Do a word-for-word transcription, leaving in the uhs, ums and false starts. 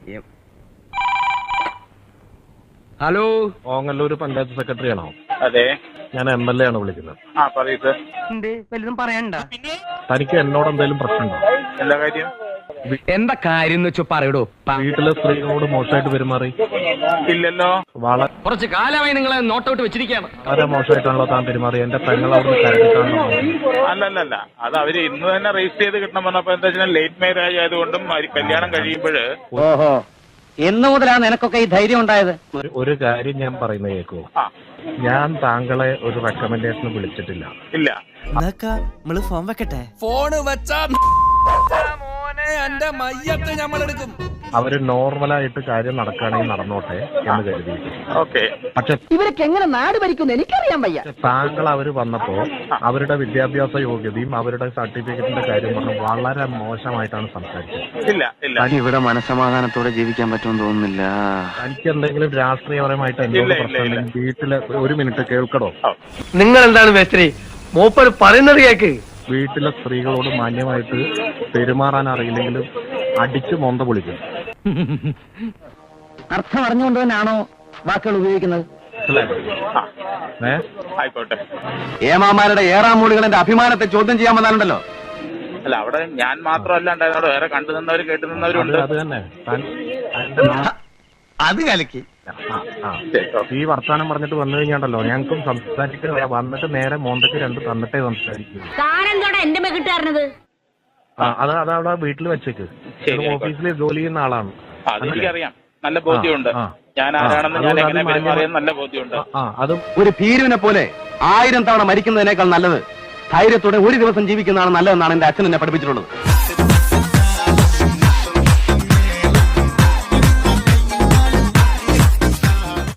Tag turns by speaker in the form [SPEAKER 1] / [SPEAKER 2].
[SPEAKER 1] Hello,
[SPEAKER 2] Ongallur panchayat secretary ആണോ?
[SPEAKER 3] അതെ,
[SPEAKER 2] ഞാൻ എം എൽ എ ആണ് വിളിക്കുന്നത്.
[SPEAKER 3] ആ പറയൂ സർ.
[SPEAKER 1] വലുതും പറയണ്ട.
[SPEAKER 2] തനിക്ക് എന്നോട് എന്തെങ്കിലും പ്രശ്നമുണ്ടോ?
[SPEAKER 3] എന്താ കാര്യം?
[SPEAKER 1] എന്താ കാര്യം വെച്ചു പറയടോ.
[SPEAKER 2] വീട്ടിലെ സ്ത്രീകളോട് മോശമായിട്ട് പെരുമാറി?
[SPEAKER 3] ഇല്ലല്ലോ.
[SPEAKER 2] വളരെ
[SPEAKER 1] കുറച്ച് കാലമായി നിങ്ങളെ നോട്ടൗട്ട് വെച്ചിരിക്കുകയാണ്.
[SPEAKER 2] വളരെ മോശമായിട്ടാണല്ലോ താൻ പെരുമാറി. എന്റെ പെങ്ങൾ അവിടെ കരടിട്ടാണല്ലോ.
[SPEAKER 3] അല്ലല്ലല്ല, അത് അവര് ഇന്ന് തന്നെ രജിസ്റ്റർ ചെയ്ത് കിട്ടണം പറഞ്ഞപ്പോ എന്താ വെച്ചാൽ ലേറ്റ് മാരേജ് ആയതുകൊണ്ടും അവര് കല്യാണം കഴിയുമ്പോഴ്.
[SPEAKER 4] ഓഹോ, എന്ന് മുതലാണ് നിനക്കൊക്കെ ഈ ധൈര്യം ഉണ്ടായത്?
[SPEAKER 2] ഒരു കാര്യം ഞാൻ പറയുന്നത് കേൾക്കൂ.
[SPEAKER 3] ആ
[SPEAKER 2] ഞാൻ താങ്കളെ ഒരു റെക്കമെൻഡേഷന് വിളിച്ചിട്ടില്ല.
[SPEAKER 3] ഇല്ല.
[SPEAKER 5] നമ്മള് ഫോൺ വെക്കട്ടെ? ഫോണ് വെച്ചാ മോനെ എന്റെ മയ്യത്ത് ഞമ്മളെടുക്കും.
[SPEAKER 2] അവര് നോർമലായിട്ട് കാര്യം നടക്കുകയാണെങ്കിൽ നടന്നോട്ടെ എന്ന് കരുതി.
[SPEAKER 3] ഓക്കെ.
[SPEAKER 2] പക്ഷെ
[SPEAKER 4] ഇവരൊക്കെ എങ്ങനെ നാട് ഭരിക്കുന്നു എനിക്കറിയാൻ വയ്യ.
[SPEAKER 2] താങ്കൾ അവര് വന്നപ്പോ അവരുടെ വിദ്യാഭ്യാസ യോഗ്യതയും അവരുടെ സർട്ടിഫിക്കറ്റിന്റെ കാര്യം പറഞ്ഞ് വളരെ മോശമായിട്ടാണ് സംസാരിച്ചത്.
[SPEAKER 3] ഇല്ല ഇല്ല.
[SPEAKER 6] ഇവിടെ മനസമാധാനത്തോടെ ജീവിക്കാൻ പറ്റുമെന്ന് തോന്നുന്നില്ല.
[SPEAKER 2] തനിക്ക് എന്തെങ്കിലും രാഷ്ട്രീയപരമായിട്ട് എന്നോട് പ്രശ്നം വീട്ടില് ഒരു മിനിറ്റ് കേൾക്കണോ?
[SPEAKER 1] നിങ്ങൾ എന്താണ് മേസ്ത്രി മൂപ്പർ പറയുന്നത് കേക്ക്.
[SPEAKER 2] വീട്ടിലെ സ്ത്രീകളോട് മാന്യമായിട്ട് പെരുമാറാൻ അറിയില്ലെങ്കിലും അടിച്ചു മൊന്ത പൊളിക്കും.
[SPEAKER 4] അർത്ഥം അറിഞ്ഞുകൊണ്ട് തന്നെയാണോ വാക്കുകൾ ഉപയോഗിക്കുന്നത്?
[SPEAKER 2] ഏ
[SPEAKER 3] ആയിക്കോട്ടെ.
[SPEAKER 6] ഏമാമാരുടെ ഏറാമൂളികളുടെ അഭിമാനത്തെ ചോദ്യം ചെയ്യാൻ വന്നാലുണ്ടല്ലോ.
[SPEAKER 3] അല്ല, അവിടെ ഞാൻ മാത്രമല്ല ഉണ്ടായിരുന്നോട്, വേറെ കണ്ടു നിന്നവര് കേട്ടു നിന്നവരുണ്ട്.
[SPEAKER 2] അത് തന്നെ
[SPEAKER 5] അത് കലക്കി.
[SPEAKER 2] ഈ വർത്താനം പറഞ്ഞിട്ട് വന്നു കഴിഞ്ഞാണ്ടല്ലോ ഞങ്ങൾക്കും സംസാരിക്കുക. വന്നിട്ട് നേരെ മോന്തക്ക് രണ്ട് തന്നിട്ടേ സംസാരിക്കും.
[SPEAKER 7] എന്റെ മെക്കിട്ടായിരുന്നത്
[SPEAKER 2] ആ അത് അതവിടെ വീട്ടിൽ വെച്ചേക്ക്. ഓഫീസിൽ ജോലി ചെയ്യുന്ന ആളാണ്.
[SPEAKER 3] അതെനിക്കറിയാം, നല്ല ബോധ്യമുണ്ട്. ഞാൻ ആരാണെന്ന് ഞാൻ എങ്ങനെ പെരുമാറിയെന്ന് നല്ല ബോധ്യമുണ്ട്.
[SPEAKER 2] ആ അതും
[SPEAKER 6] ഒരു ഭീരുവിനെ പോലെ ആയിരം തവണ മരിക്കുന്നതിനേക്കാൾ നല്ലത് ധൈര്യത്തോടെ ഒരു ദിവസം ജീവിക്കുന്നതാണ് നല്ലതെന്നാണ് എന്റെ അച്ഛൻ എന്നെ പഠിപ്പിച്ചിട്ടുള്ളത്.